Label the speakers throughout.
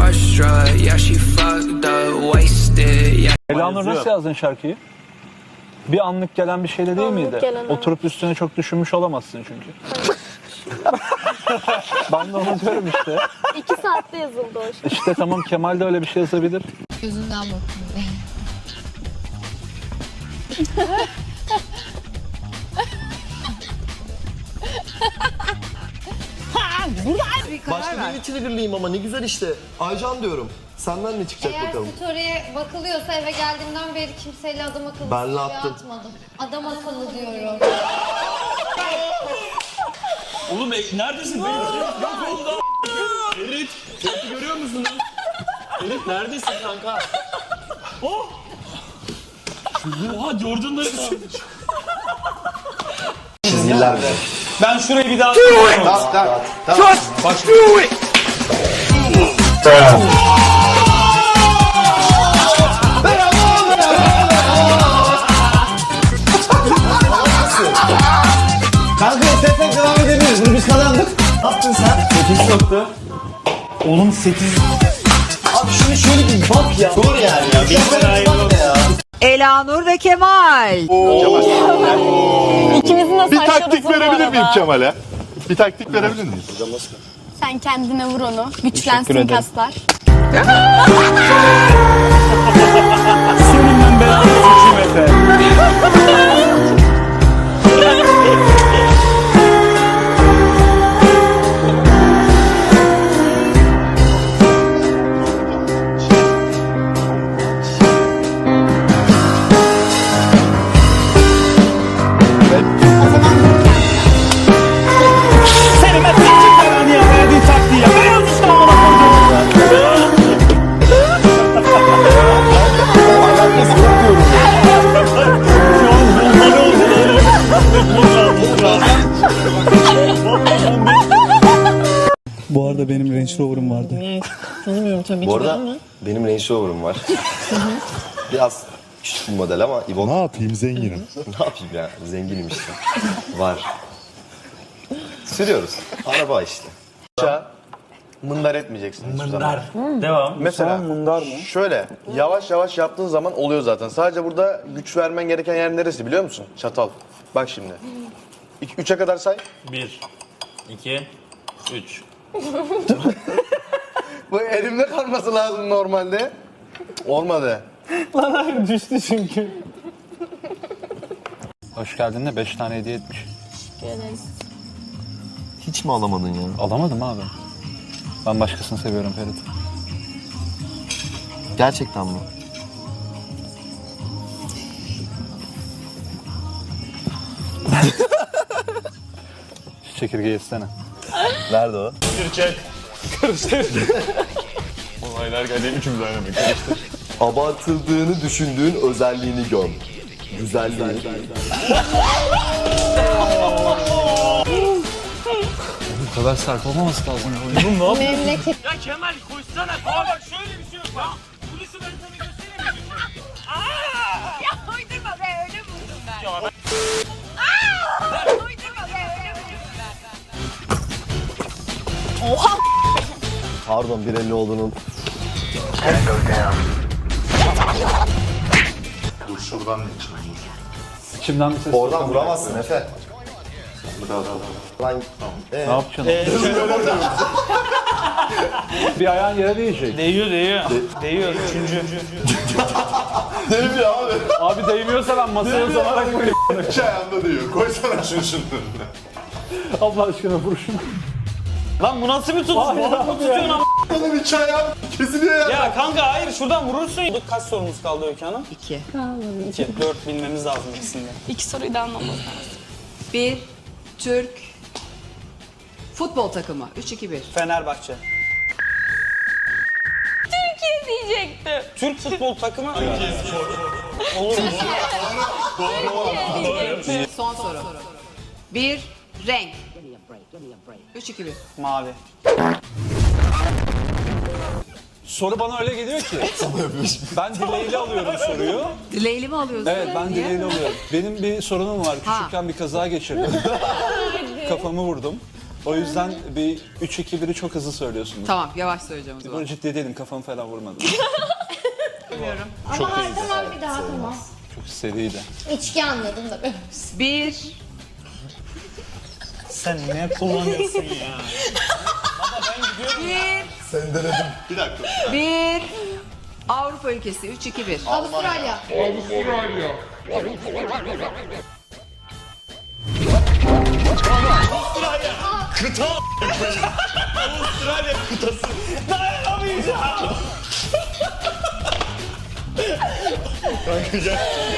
Speaker 1: starstruck. Yeah, she fucked up, wasted. Yeah.
Speaker 2: Elanur nasıl yazdın şarkıyı? Bir anlık gelen bir şeyle değil miydi?
Speaker 3: Gelen,
Speaker 2: Oturup üstüne çok düşünmüş olamazsın çünkü. Ben de onu diyorum işte.
Speaker 3: 2 saatte yazıldı o şey.
Speaker 2: İşte tamam, Kemal de öyle bir şey yazabilir.
Speaker 4: Gözünden bakın.
Speaker 5: Başka birini triggerlayayım ama ne güzel işte. Aycan diyorum. Senden ne çıkacak
Speaker 4: Eğer
Speaker 5: bakalım.
Speaker 4: story'e bakılıyorsa eve geldiğimden beri kimseyle adam akıllı
Speaker 5: Ben
Speaker 4: story
Speaker 5: attım.
Speaker 4: atmadım. Adam akıllı diyorum.
Speaker 6: Oğlum neredesin? Yok oldu. Ferit, Ferit'i görüyor musun? Ferit neredesin kanka? Oh! Oha Jordan'ları kaldı.
Speaker 5: Çizgiler.
Speaker 6: Ben şurayı bir daha...
Speaker 5: Tamam.
Speaker 7: Kanka istersen devam edebiliriz. Bunu biz kazandık. Ne yaptın sen?
Speaker 6: 8 nokta. Oğlum 8...
Speaker 7: Abi şunu şöyle bir bak ya. Dur yani ya. Bir bak ya.
Speaker 8: Elanur ve Kemal.
Speaker 3: İkimizin de
Speaker 9: Bir
Speaker 3: saçları
Speaker 9: taktik
Speaker 3: uzun bu
Speaker 9: verebilir miyim
Speaker 3: arada.
Speaker 9: Kemal'e? Bir taktik verebilir miyiz?
Speaker 3: Sen kendine vur onu. Güçlensin kaslar.
Speaker 6: Senin ben belanı sıçayım Efe. Senin ben sıçayım belanı ya. Verdiğin taktiği ya. Ben yanlışla amına koydum.
Speaker 2: Bu arada benim Range Rover'ım vardı.
Speaker 3: Tanımıyorum tabii
Speaker 5: Bu arada benim Range Rover'ım var. Biraz küçük bir model ama İbon.
Speaker 9: Ne yapayım, zenginim.
Speaker 5: Ne yapayım ya? Zenginim işte. Var. Sürüyoruz. Araba işte. Mındar etmeyeceksin hiçbir zaman.
Speaker 6: Devam.
Speaker 5: Mesela
Speaker 2: Mundar mı?
Speaker 5: şöyle yavaş yavaş yaptığın zaman oluyor zaten. Sadece burada güç vermen gereken yer neresi biliyor musun? Çatal. Bak şimdi. 3'e kadar say.
Speaker 6: 1, 2, 3.
Speaker 5: Bu elimde kalması lazım normalde. Olmadı.
Speaker 2: Düştü çünkü. Hoş geldin de 5 tane hediye etmiş.
Speaker 5: Hiç mi alamadın ya?
Speaker 2: Alamadım abi. Ben başkasını seviyorum Ferit.
Speaker 5: Gerçekten mi?
Speaker 2: Şu çekirgeyi istene.
Speaker 5: Nerede o?
Speaker 6: Çek. Karıştır. Olaylar geldi. Üçümüz aynı bir karıştır.
Speaker 5: Abartıldığını düşündüğün özelliğini göm. Güzelliğini.
Speaker 2: Bu kadar sert olmaması lazım.
Speaker 3: Memleket.
Speaker 6: Ya Kemal koşsana. Aa bak şöyle bir şey yok. Bak. Polisi ben sana göstereyim mi?
Speaker 8: Ya uydurma be, öyle buldum ben.
Speaker 6: Ya ben...
Speaker 8: Uydurma be, öyle buldum ben.
Speaker 5: Pardon 1.50 olduğunun.
Speaker 9: Dur şuradan ne çıkıyor?
Speaker 2: İçimden bir ses.
Speaker 5: Oradan vuramazsın Efe. Lan
Speaker 2: Ne yapacaksın? Bir ayağın yere değecek.
Speaker 6: Değiyor. Değiyor. Üçüncü.
Speaker 5: Değmiyor abi.
Speaker 2: Abi değmiyorsa ben masaya uzanarak koyayım.
Speaker 9: İki ayağında diyor. Koysana şunun önüne.
Speaker 2: Allah aşkına vur şunu.
Speaker 6: Lan bu nasıl bir tutuş? Balık mı tutuyorsun ama?
Speaker 9: Onun iki ayağı kesiliyor ya.
Speaker 6: Ya kanka hayır şuradan vurursun. Kaç sorumuz kaldı Öykü Hanım?
Speaker 8: 2.
Speaker 6: 2. 4 bilmemiz lazım ikisinde.
Speaker 3: 2 soruyu da anlamaz.
Speaker 8: Bir Türk futbol takımı. 3-2-1.
Speaker 6: Fenerbahçe.
Speaker 3: Türkiye diyecektim.
Speaker 6: Türk futbol takımı. Olur mu?
Speaker 8: Son soru. Bir renk. 3-2-1.
Speaker 6: Mavi.
Speaker 2: Soru bana öyle geliyor ki. Ben dileğiyle alıyorum soruyu.
Speaker 8: Dileğli mi alıyorsun?
Speaker 2: Evet, ben
Speaker 8: Niye?
Speaker 2: dileğiyle alıyorum. Benim bir sorunum var.
Speaker 8: Ha.
Speaker 2: Küçükken bir kaza geçirdim. Kafamı vurdum. O yüzden bir 3-2-1'i çok hızlı söylüyorsunuz.
Speaker 10: Tamam, yavaş söyleyeceğim o zaman.
Speaker 2: Böyle ciddi değilim, kafamı falan vurmadım.
Speaker 4: Ama her zaman bir daha tamam.
Speaker 2: Çok seriydi.
Speaker 4: İçki anladım da ben.
Speaker 10: 1.
Speaker 6: Sen ne kullanıyorsun ya?
Speaker 9: Bir dakika.
Speaker 10: 1. Avrupa ülkesi 3, 2, 1.
Speaker 4: Avustralya.
Speaker 6: Avustralya kıtası. Dayanamayacağım. Kanka gel.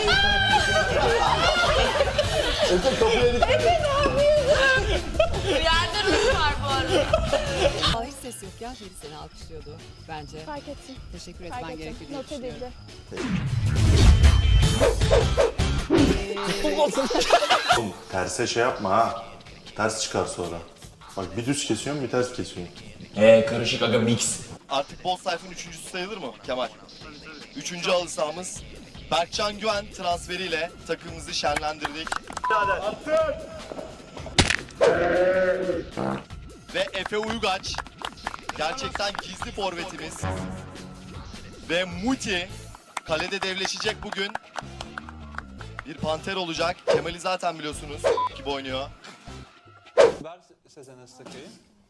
Speaker 8: Yerde ruh var bu arada.
Speaker 10: Hiç ses yok ya. Biri seni alkışlıyordu bence.
Speaker 3: Fark ettim.
Speaker 10: Teşekkür
Speaker 3: Fark
Speaker 10: etmen
Speaker 3: ettim.
Speaker 10: gerekiyor diye
Speaker 3: Not
Speaker 10: düşünüyorum.
Speaker 3: edildi.
Speaker 9: Oğlum terse şey yapma ha. Ters çıkar sonra. Bak bir düz kesiyorsun bir ters kesiyorsun.
Speaker 7: Karışık aga mix.
Speaker 11: Artık Boz Sayf'ın üçüncüsü sayılır mı Kemal? Üçüncü halı sahamız. Berkcan Güven transferiyle takımımızı şenlendirdik. Ve Efe Uygaç gerçekten gizli forvetimiz. Ve Muti kalede devleşecek bugün. Bir panter olacak. Kemal'i zaten biliyorsunuz gibi oynuyor.
Speaker 2: Ver Sezen Astakay'ı.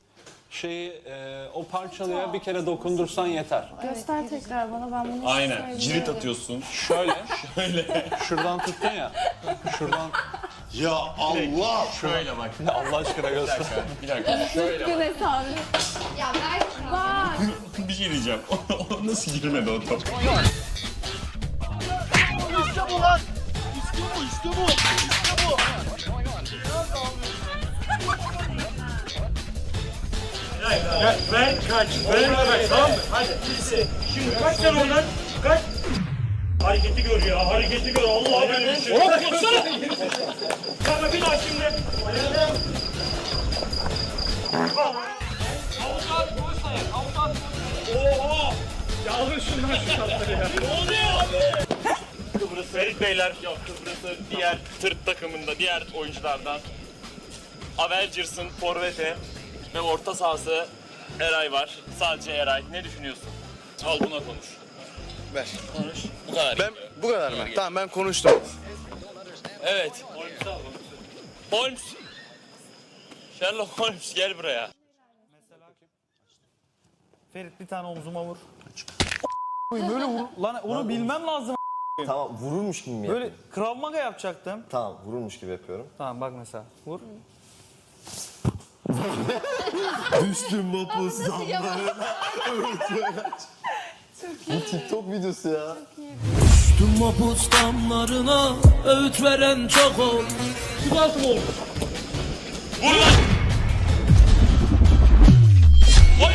Speaker 2: O parçalıya bir kere dokundursan yeter.
Speaker 3: Göster tekrar bana, ben bunu
Speaker 6: Aynen. Cirit atıyorsun.
Speaker 2: Şöyle. Şuradan tuttun ya. Şuradan.
Speaker 9: Ya Allah!
Speaker 6: Şöyle bak.
Speaker 2: Allah aşkına göster.
Speaker 6: Bir dakika. Şöyle bak.
Speaker 3: Güneş abi.
Speaker 4: Ya Berk.
Speaker 6: Bir şey diyeceğim. O nasıl girmedi o top? Ben kaç. Tamam mı? Hadi. Şimdi kaç sen oradan. Kaç. Hareketi gör ya. Hareketi gör. Allah böyle bir şey. Oğlum koşsana. Kanka bir daha şimdi. Oha. Ya alın şundan şu şartları ya. Ne oluyor abi? Kıbrıs Ferit Beyler. Yok Kıbrıs'ı diğer tırt takımında diğer oyunculardan. Avengers'ın forveti ve orta sahası Eray var. Sadece Eray. Ne düşünüyorsun? Al buna konuş.
Speaker 5: Ver.
Speaker 6: Konuş. Bu kadar.
Speaker 5: Ben bu kadar mı? Tamam ben konuştum.
Speaker 6: Evet. Holmes. Sherlock Holmes gel buraya.
Speaker 12: Ferit bir tane omzuma vur. Böyle vur. Lan onu bilmem lazım.
Speaker 7: Tamam vurulmuş gibi mi
Speaker 12: Böyle
Speaker 7: yapıyorum?
Speaker 12: Krav Maga yapacaktım.
Speaker 7: Tamam vurulmuş gibi yapıyorum.
Speaker 12: Tamam bak mesela. Vur.
Speaker 7: Düştüm mapus damlarına. Bu TikTok videosu ya.
Speaker 1: Düştüm mapus damlarına, öğüt veren çok ol.
Speaker 6: Vur lan. Vay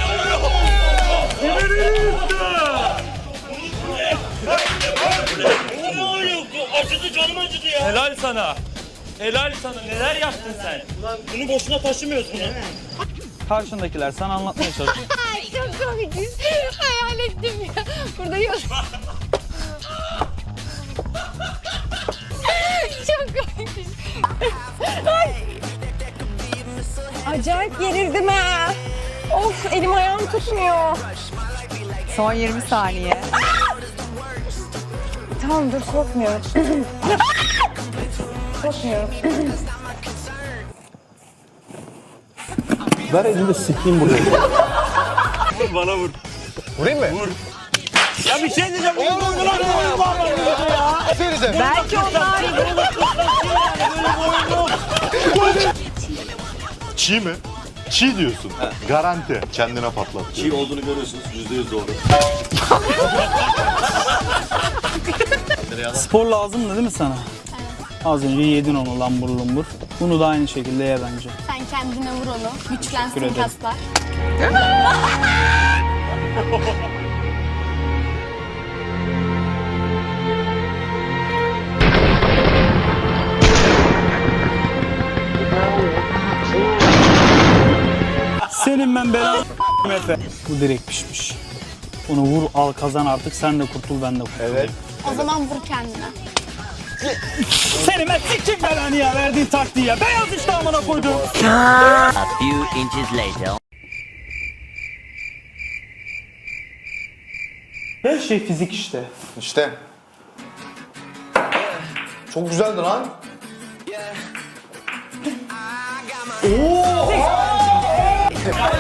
Speaker 6: acıdı canım acıdı ya. Helal sana. Helal sana. Neler yaptın sen? Ulan bunu boşuna taşımıyoruz bunu.
Speaker 12: Karşındakiler sana anlatmaya çalışıyor.
Speaker 3: Ay çok komik. Hayal ettim ya. Burada yok. Çok komik. Ay. Acayip gerildim ha. Of, elim ayağım tutmuyor.
Speaker 10: Son 20 saniye.
Speaker 3: Tamam dur, korkmuyorum. Korkmuyorum.
Speaker 2: Ver elinde sikeyim buraya.
Speaker 6: Vur bana vur.
Speaker 5: Vurayım mı?
Speaker 6: Vur. Ya bir şey diyeceğim. Oğlum ya.
Speaker 10: Belki onlar
Speaker 9: Çiğ mi? Çiğ diyorsun. Garanti. Kendine patlat.
Speaker 7: Çiğ olduğunu görüyorsunuz. %100 doğru.
Speaker 12: Spor lazımdı değil mi sana? Az önce yedin onu lambur lumbur. Bunu da aynı şekilde ye bence.
Speaker 3: Sen kendine vur onu. Güçlensin
Speaker 12: ederim.
Speaker 3: kaslar.
Speaker 12: Senin ben belanı Efe. Bu direkt pişmiş. Bunu vur al kazan artık, sen de kurtul ben de kurtul.
Speaker 7: Evet.
Speaker 3: O zaman vur kendine.
Speaker 12: Seni ben sikim belanı ya verdiğin taktiği ya. Beyaz işte amına koydum.
Speaker 7: A few inches later.
Speaker 12: Her şey fizik işte.
Speaker 5: İşte. Çok güzeldi lan.
Speaker 12: Oo!